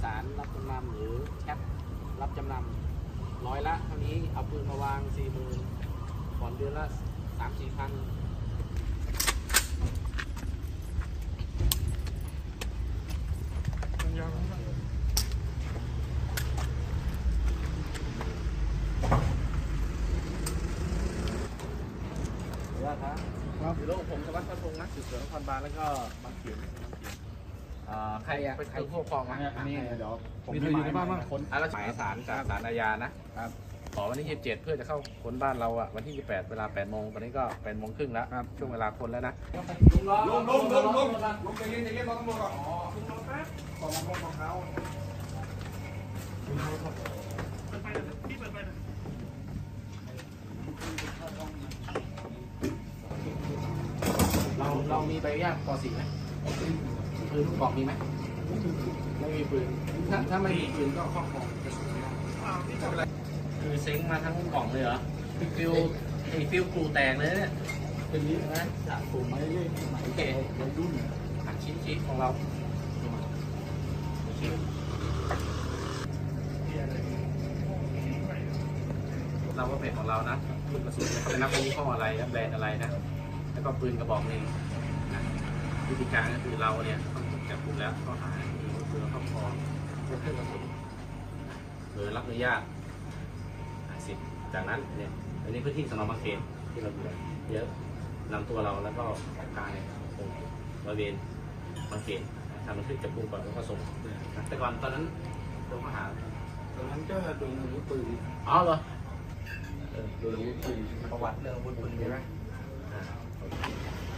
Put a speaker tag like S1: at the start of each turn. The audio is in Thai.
S1: สารรับจำนำหรือแคปรับจำนำร้อยละเท่านี้เอาปืนมาวาง 40,000ผ่อนเดือนละ 3-4 พันครับอยู่โลกผมสวัสดิ์พัฒน์พงษ์นักสืบสวนนครบาลแล้วก็บางเขียนใครเป็นผู้ปกครองอ่ะนี่เดี๋ยวผมมีอยู่ในบ้านบ้างคนหมายสารจากศาลอาญานะครับขอวันที่27เพื่อจะเข้าค้นบ้านเราอ่ะวันที่28เวลา8 โมงตอนนี้ก็8 โมงครึ่งแล้วช่วงเวลาคนแล้วนะลุงใจเย็นรอตำรวจก่อนลุงแป๊บของเขาเรามีใบอนุญาตป .4 ไหมปืนลูกกรอกมีไหมไม่มีปืนถ้าไม่มีปืนก็ครอบครองกระสุนไม่ได้คือเซ็งมาทั้งกล่องเลยเหรอฟิวกรูแตกเลยเนี่ยเป็นนี้นะจากกลุ่มไม้เล่โอเคเราดุ้นหักชิ้นของเราเราก็เป็นของเรานะปืนกระสุนจะนับเป็นยี่ห้ออะไรแบรนด์อะไรนะแล้วก็ปืนกระบอกนึงนะวิธีการก็คือเราเนี่ยต้องจับกลุ่มแล้วก็หาปืนครอบครองเครื่องกระสุนหรือรับอนุญาตสิทธิ์จากนั้นเนี่ยอันนี้พื้นที่สน.บางเขนที่เราอยู่เยอะนำตัวเราแล้วก็กายบริเวณบางเขนทำบันทึกจับกุมก่อนแล้วก็ส่งแต่ก่อนตอนนั้นโดนข้อหาตอนนั้นก็โดนอาวุธปืนอ๋อเหรอโดนอาวุธปืนประวัติเรื่องอาวุธปืนใช่ไหม